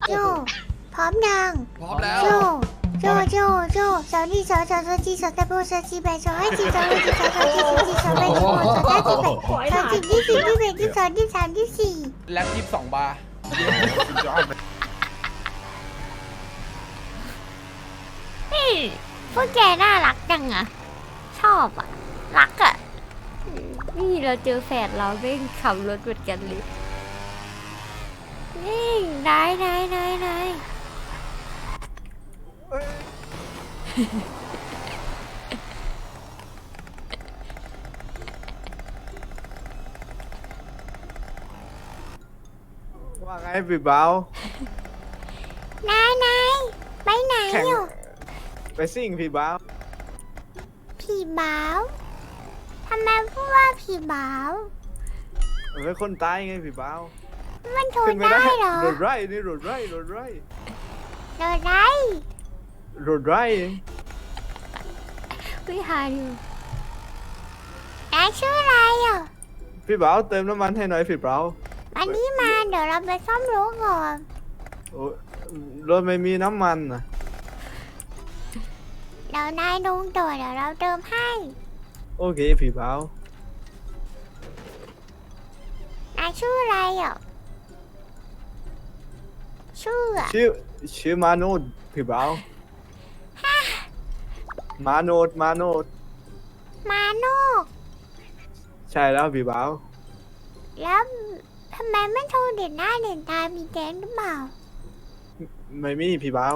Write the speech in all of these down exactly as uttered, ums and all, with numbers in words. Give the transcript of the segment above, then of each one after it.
โจพร้อมยังพร้อมแล้วโจโจโจโจสาวนี่สาวสาวสาวจีสาวตะโบสาวจีแบสาวให้จีสาวให้จีสาวสาวจีสาวจีสาวแบสาวสาวจีแบสาวจีที่สี่ที่แบที่สองที่สามที่สี่แล็บยี่สิบสองบาร์นี่พวกแกน่ารักจังอะชอบอะรักอะนี่เราเจอแฝดเราเร่งขับรถเหมือนกันเลยนี่นายนายนายนายว่าไงพี่เบานายนายไปไหนแข่งอยู่ไปซิ่งพี่เบาผีบ้าวทำไมพูดว่าผีบ้าวเป็นคนตายไงพี่เบามันทขึ้นนไม่ได้ได้เหรอรถไร่นี่รถไร่รถไร่โดนไรรถไร่วิหารอยู่นายชื่ออะไรอ่ะพี่เบาเติมน้ำมันให้หน่อยพี่เบาวันนี้มาเดี๋ยวเราไปซ่อมรถก่อนโอ้รถไม่มีน้ำมันนะเดี๋ยวนายลงต่อเดี๋ยวเราเติมให้โอเคพี่เบานายชื่ออะไรอ่ะชื่ออะชื่อชื่อมาโนดพี่เบามาโนดมาโนดมาโนกใช่แล้วพี่เบาแล้วทำไมไม่โทรเด่นหน้าเด่นตามีแดงหรือเปล่าไม่มีพี่เบา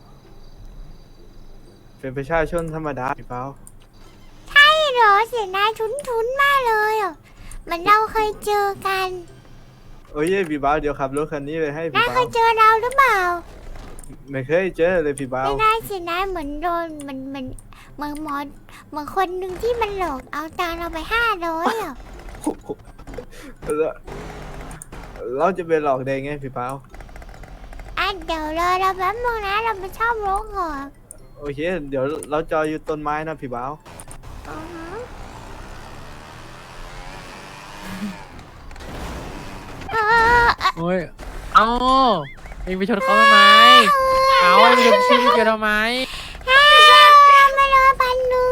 เป็นประชาชนธรรมดาพี่เบาใช่เหรอเสียงนายทุ้นๆมากเลยอ่ะเหมือนเราเคยเจอกันโอ้ยพี่เบาเดี๋ยวขับรถคันนี้ไปให้พี่นายเบาเคยเจอเราหรือเปล่าไม่เคยเจอเลยพี่เบาไม่ได้สินายเหมือนโดนเหมือนเหมือนเหมือนหมอเหมือนคนหนึ่งที่มันหลอกเอาตังค์เราไปห้าร้อยอ่ะแล้วเราจะไปหลอกได้ไงพี่เปาอ่ะเดี๋ยวรอเราแป๊บนึงนะเราไปชอบรถก่อนโอเค เดี๋ยวเราจออยู่ต้นไม้นะพี่เปาอือฮึเออเอ่อโอ้ย เอาเองไปชนเขาทำไม เอาเองไปชนชื่อพี่เกียวทำไมเอ้ยเราไม่รอพันหนึ่ง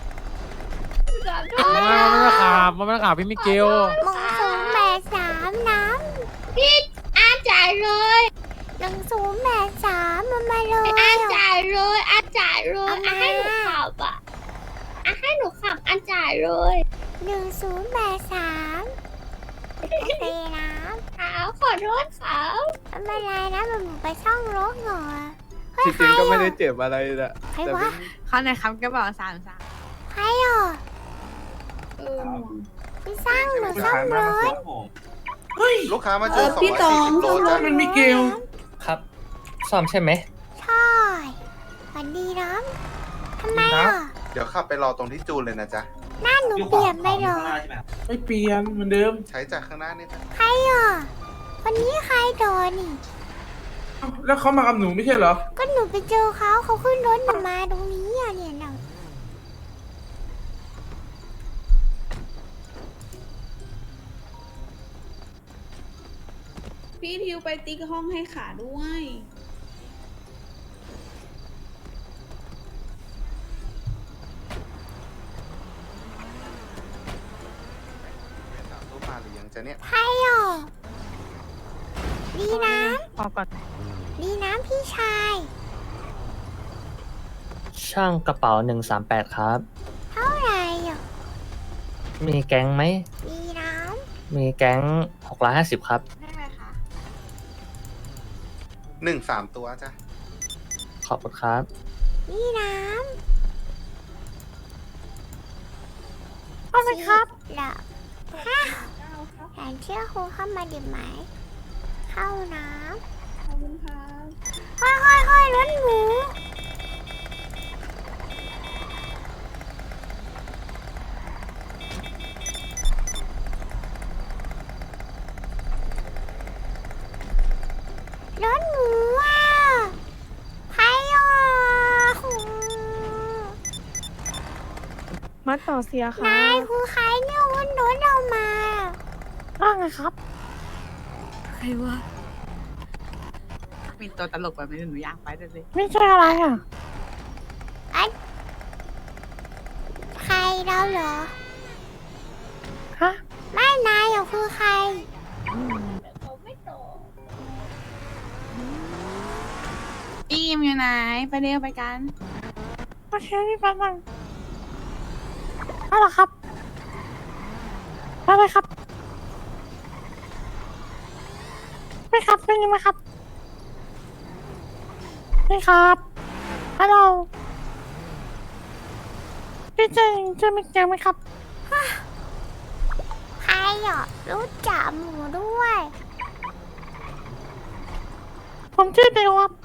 มันไม่ได้ขับมันไม่ได้ขับพี่มิเกลมึงศูนย์แปดสามน้พี่อาจ่ายเลยำหนึ่งศูนย์แปดสามมันมาเลยอาจ่ายเลยอาจ่ายเลยเอามาอาให้หนูขับอ่ะอาให้หนูขับอาจ่ายเลยหนึ่งศูนย์แปดสามโอเคนะขาวขอโทษขาวไม่เป็นไรนะมันไปช่องรถก่อนเฮ้ยที่ใคจรริงก็ไม่ได้อ่ะเจ็บอะไรนะใครแต่วะเขาในครับกระเป๋าสามสามใครอ่ะเออพี่สร้างหนูซ่อมรถลูกค้ามาเจอสองพี่ตร้ออยงสี่สิบโลซ่อมรจ้ะถมันมีเกลครับซ่อมใช่ไหมใช่สวัสดีน้องทำไมอ่ะเดี๋ยวขับไปรอตรงที่จูนเลยนะจ๊ะหน้าหนูเปลี่ยนไปเหรอไม่เปลี่ยนเหมือนเดิมใช้จากข้างหน้านี่จ้ะใครอ่ะคนนี้ใครโดนนี่แล้วเขามากับหนูไม่ใช่เหรอก็หนูไปเจอเขาเขาขึ้นรถหนูมาตรงนี้อ่ะเนี่ยน่ะพี่ทิวไปติ๊กห้องให้ขาด้วยสามรูปมาหรือยังจ๊ะเนี่ยใครอ่ะดีน้พอก่อนำดีน้ำพี่ชายช่างกระเป๋าหนึ่งสามแปดครับเท่าไหร่อ่ะมีแก๊งไหมดีน้มีแก๊งหกร้อยห้าสิบครับได้ไหมคะหนึ่งสามตัวจ้ะขอบคุณครับำดีน้ำเอาไปครับแล้วฮะแผนเชื่อครูเข้ามาดิบไหม เข้าน้ขอบคุณครับำค่อยค่อยค่อยๆรถหมูรถหมูอ่ะใครอ่ะมาต่อเสียค่ะนายคือใครเนี่ยวนรถเรามาว่าไงครับใครวะมีตัวตลกแบบนี้หนูอยากไปด้วยสิไม่ใช่อะไรอ่ะใครเราเหรอฮะไม่นายอ่ะคือใครอีมอยู่ไหนไปเร็วไปกันโอเคพี่แป๊บนึงเอาล่ะครับไปเลยครับไม่ครับเป็นยังไงครับไม่ครับฮัลโหลพี่เจงเจอมิเกลไหมครับใครอ่ะรู้จักหมูด้วยผมชื่อเดวครับ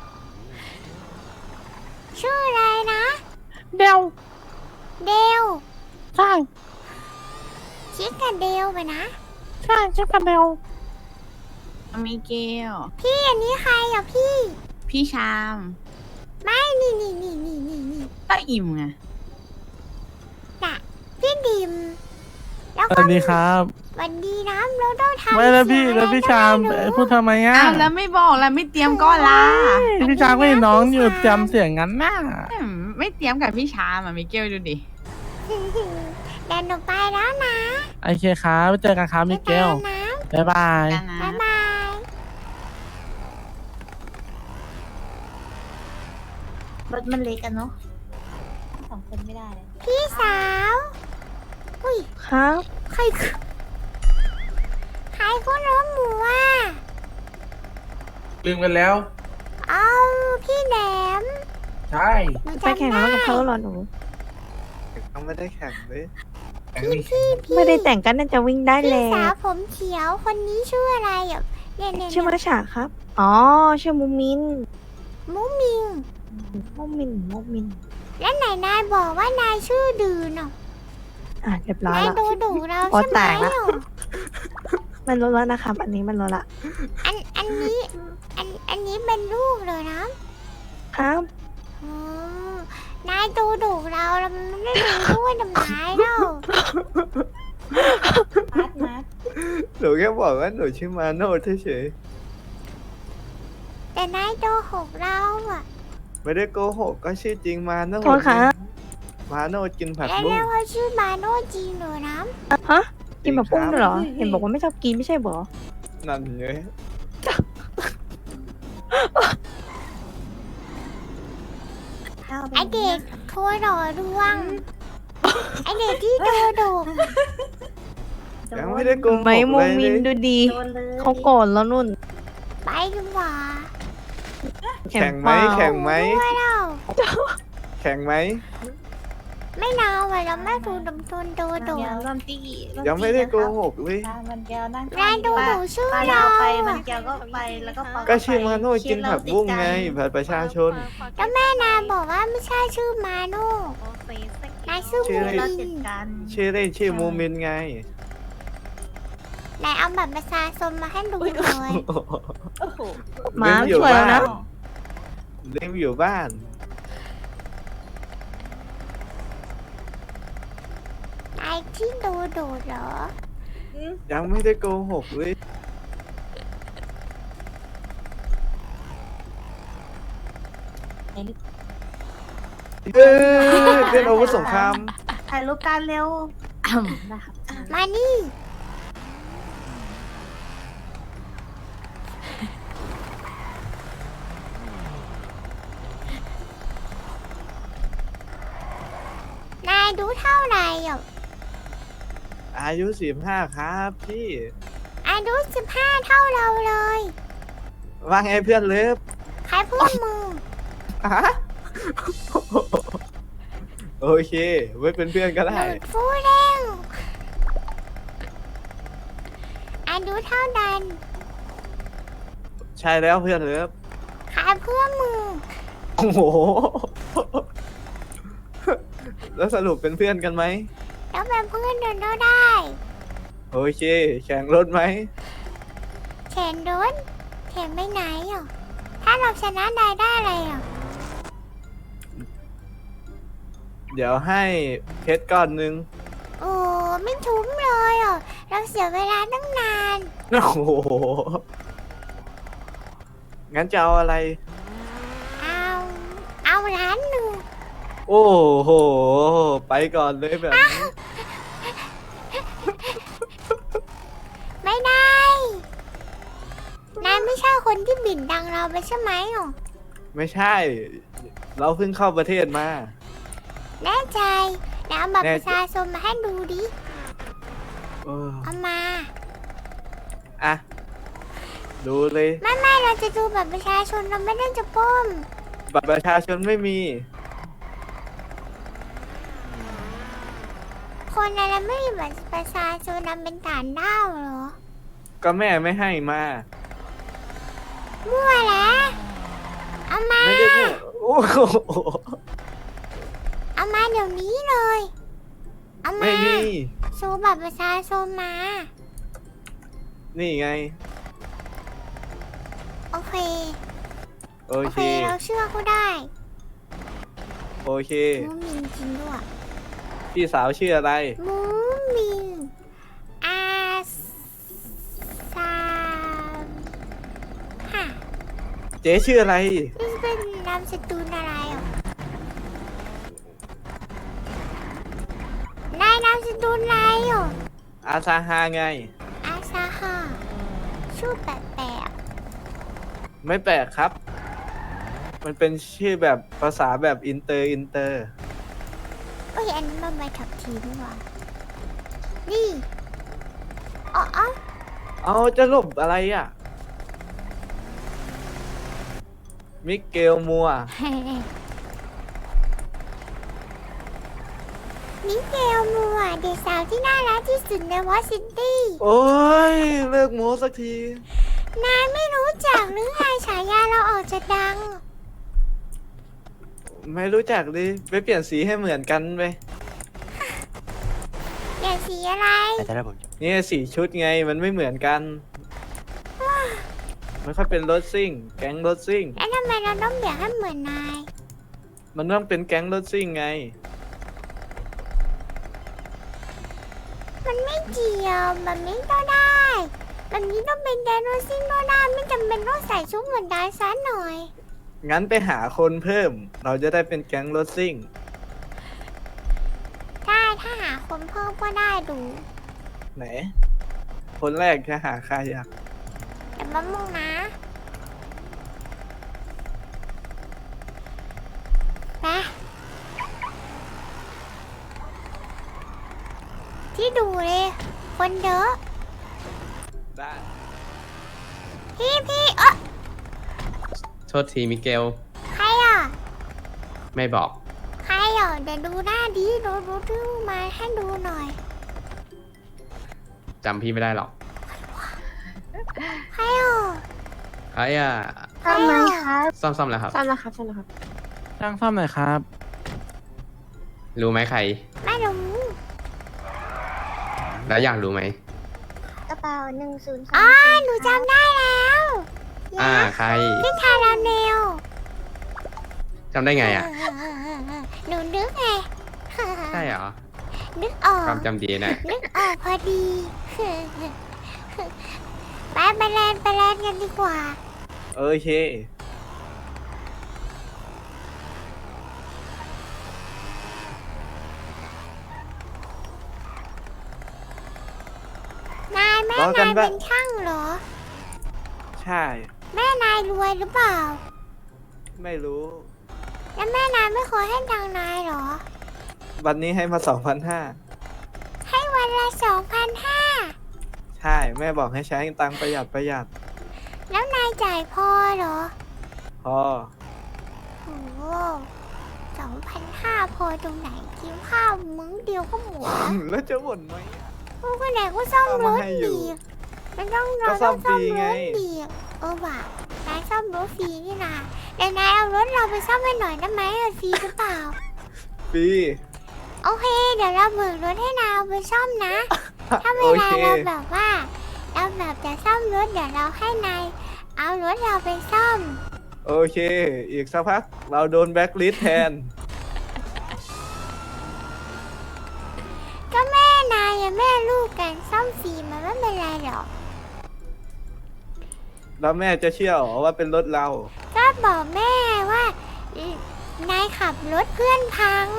ชื่ออะไรนะเดวเดวใช่ชิคกับเดวไปนะใช่ชื่อกับเดวมีเกลพี่อันนี้ใครอ่ะพี่พี่ชามไม่นี่นี่นี่นี่นี่นี่ก็อิ่มไงน่ะพี่ดิม แล้วสก็วัสดีครับสวันดีนะเราต้องทำไม่แล้วพี่เสียงแล้วพี่อะไรชามก็ไรู้พูดทำไมอ่ะอ้าวแล้วไม่บอกแล้วไม่เตรียมก็ล่ะพี่ชามก็เห็นน้องอยู่จำเสียงงั้นน่ะอืมไม่เตรียมกับพี่ชามอ่ะมิเกลดูดิเดินหนูไปแล้วนะโอเคครับไปเจอกันครับมิเกลบ๊ายบายนะบ๊ายบายกันนะบ๊ายบายรถมันเล็กกันเนาะสองคนไม่ได้เลยพี่สาวอุ้ยครับใครคือใครก็ล้มหมูอ่ะลืมกันแล้วเอาพี่แหลมใช่หนูไปจำแข่งได้รถกับเขาเหรอหนูยังไม่ได้แข่งเลยพี่พี่พี่ไม่ได้แต่งกันน่าจะวิ่งได้พี่แล้สาว วผมเขียวคนนี้ชื่ออะไรอ่ะเนี่ยเนี่ยชื่อเนี่ยมาฉาครับ อ๋อ ชื่อมูมินมุมิงมูมินมูมินแล้วไหนนายบอกว่านายชื่อดืนอ่ะอ่ะเรียบร้อยนายแล้วดูดูเราโอ๊ใช่ยไหมแตกละอ่ะมันลดแล้วนะครับ อันนี้มันลดละอันอันนี้อันอันนี้เป็นลูกเลยนะครับ อ๋อนายดูดูเราเราไม่ได้ดูด้วยดำไม้เรามัดมัดหนูแค่บอกว่าหนูชื่อมาโนดเฉยแต่นายโดหกเราอ่ะๆไม่ได้โกหกก็ชื่อจริงมาโนดโทษครับมาโนดกินผักแล้วบุ้เรีงยกว่าชื่อมาโนจริงเหรอนะฮะ กินแบบปุ้งจริด้วยคเหรบอ เห็นบอกว่าไม่ชอบกินไม่ใช่เหรอนั่นไงไอเด็กโทรหล่อดวงไอเด็กที่โดดกยังไม่ได้โกหกไม่มูเลยมินเลยดูดีโดนเลยเขาโกรธแล้วนุ่นไปดีกว่าแข่งไหมเปล่าแข่งไหมด้วยเราแข่งไหมไม่นาวอ่ะเราไม่ดูดมทุนโดดกเดี๋ยวรวมตีรวตียังไม่ได้โกนะครับหกเลยอ่ามันแก้วนั่งนายดูหนูชื่อปลาเราดาวไปอะมันแก้วก็ไปแล้วก็ปลก็ชื่อมาโนดกินผักบุ้งไงผัดประชาชนแล้วแม่นายบอกว่าไม่ใช่ชื่อมาโนนายชื่อชื่มูออะไรเรามิจัดนการชื่อเล่นชื่อมูมินไงนายเอาบัตรประชาชนมาให้ดูเลยโอ้โหหมาเลี้ยงอยู่ช่วยแล้วนะบ้านเลี้ยงอยู่บ้านนายที่ดูดูเหรอยังไม่ได้โกหกเลยเออเล่นอาวุธสงครามถ่ายรูปการเร็วนะครับมานี่ นายดูเท่าไหร่อ่ะอายุสิบห้าครับพี่อายุสิบห้าเท่าเราเลยว่าไงเพื่อนเลิฟใครพูดมึงฮะโอเค ไว้เป็นเพื่อนก็หได้ลุดฟูเร่งอายุเท่านั้นใช่แล้วเพื่อนเลิฟใครเพื่อนมึงโอ้โห แล้วสรุปเป็นเพื่อนกันไหมแล้วเป็นเพื่อนเดินเราได้โอเค แข่งรถไหมแข่งรถแข่งไปไหนอ่ะ ถ้าเราชนะได้ได้อะไรอ่ะเดี๋ยวให้เพชรก้อนหนึ่งโอ้ไม่ทุ้มเลยอ่ะ เราเสียเวลาตั้งนานโอ้โหงั้นจะเอาอะไรเอาเอาร้านหนึ่งโอ้โห ไปก่อนเลยแบบนี้ไม่ได้นายไม่ใช่คนที่บิ่นดังเราไปใช่ไหมหรอไม่ใช่ เราเพิ่งเข้าประเทศมาแน่ใจแล้วเอาบัตรแน่ปใจระชาชนมาให้ดูดิเออเอามาอ่ะ ดูเลยไม่ไม่เราจะดูบัตรประชาชนเราไม่ได้จะปล้มบัตรประชาชนไม่มีคนอะไรไม่มีบัตรประชาชนนำเป็นฐานด้าวเหรอก็แม่ไม่ให้มามั่วแล้วเอามาไม่ได้พูดโอ้โหเอามาเดี๋ยวนี้เลย เอามาไม่มีโชว์บัตรประชาชนมานี่ไงโอเคโอโอเคเค เราเชื่อเขาได้โอเคมูมินจริงด้วยพี่สาวชื่ออะไรมูมินอาซาฮะเจ๊ชื่ออะไรนี่เป็นนามสกุลอะไรอ่ะนายนามสกุลอะไรอ่ะอาซาฮาไงอาซาฮะชื่อแปลกไม่แปลกครับ มันเป็นชื่อแบบภาษาแบบอินเตอร์อินเตอร์ๆเอ้ยอันนี้มันใบขับขี่นี่หว่านี่อ๋ออ๋อเอาจะหลบอะไรอ่ะ มิเกลมัวมิเกลมัวเด็กสาวที่น่ารักที่สุดในวอชิงตันโอ้ย เลิกโม้สักทีนายไม่รู้จักหรือไงฉายาเราออกจะดังไม่รู้จักดิไปเปลี่ยนสีให้เหมือนกันไปอย่างสีอะไรนี่สีชุดไงมันไม่เหมือนกัน มันค่อยเป็นรถซิ่ง แก๊งรถซิ่งแล้วทำไมเราต้องเบียดให้เหมือนนายมันต้องเป็นแก๊งรถซิ่งไงมันไม่เกี่ยวแบบนี้ก็ได้ แบบนี้ต้องเป็นแดนโรซิ่งก็ได้ไม่จำเป็นต้องใส่ชุดเหมือนนายซะหน่อยงั้นไปหาคนเพิ่ม เราจะได้เป็นแก๊งรถซิ่งได้ถ้าหาคนเพิ่มก็ได้ดูไหน คนแรกจะหาใครอ่ะแต่มะม่วงนะไปที่ดูเลย คนเยอะได้พี่พี่เออโทษทีมิเกลใครอ่ะไม่บอกใครอ่ะเดี๋ยวดูหน้าดีดูดูดูมาให้ดูหน่อยจำพี่ไม่ได้หรอกใครอ่ะไอ้อะใครอ่ะซ่อมๆแล้วครับซ่อมแล้วครับซ่อมแล้วครับช่างซ่อมหน่อยครับรู้ไหมใครไม่รู้แล้วอยากรู้ไหมกระเป๋าหนึ่งศูนย์สองอ๋อหนูจำได้แล้วอ่า ใครพี่คาราเมลจำได้ไงอ่ะหนูนึกไงใช่เหรอนึกออกความจำดีนะนึกออกพอดี ไปไปแลนไปแลนกันดีกว่าโอเคนายแม่รอกันาน ยปะเป็นช่างเหรอใช่แม่นายรวยหรือเปล่าไม่รู้แล้วแม่นายไม่เคยให้ตังค์นายเหรอวันนี้ให้มาสองพันห้าให้วันละสองพันห้าใช่ แม่บอกให้ใช้ตังค์ประหยัดประหยัดแล้วนายจ่ายพอเหรอพอโอ้สองพันห้าพอตรงไหนกินข้าวมื้อเดียวก็หมดแล้วแล้วจะบ่นไหมพวกคนไหนก็ซ่อมรถเอามาให้อยู่ดีมันต้องก็เราซ่ต้ออมงฟซ่อรีมรไงถดีเออว่ะนายซ่อมรถฟรีนี่นาแต่นายเอารถเราไปซ่อมให้หน่อยได้ไหมเออฟรีหรือเปล่าฟรีโอเค เดี๋ยวเราเบิกรถให้นายเอาไปซ่อมนะ ถ้าเวโอลาเคเราแบบว่า เราแบบจะซ่อมรถเดี๋ยวเราให้นายเอารถเราไปซ่อมโอเค อีกสักพัก เราโดนแบ็คลิสต์แทนก็แม่นายอะแม่ลูกกันซ่อมฟรีมันไม่เป็นไรหรอกแล้วแม่จะเชื่อหรอว่าเป็นรถเราก็บอกแม่ว่าเอ่อนายขับรถเพื่อนพัง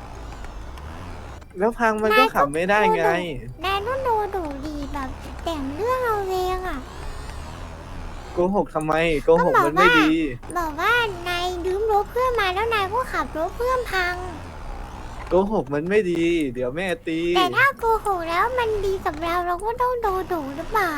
แล้วพังมันก็ขับไม่ได้ไงนายนุ่นดูดูดีแบบแต่งเรื่องเอาเองอ่ะโกหกทำไมโกหกมันไม่ดีบอกว่านายยืมรถเพื่อนมาแล้วนายก็ขับรถเพื่อนพังโกหกมันไม่ดี เดี๋ยวแม่ตีแต่ถ้าโกหกแล้วมันดีกับเราเราก็ต้องโดนดุหรือเปล่า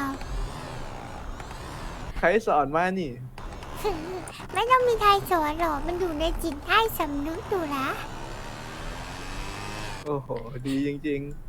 ใครสอนมานี่ไม่ต้องมีใครสอนหรอกมันอยู่ในจิตใต้สำนึกอยู่นะโอ้โห ดีจริง ๆ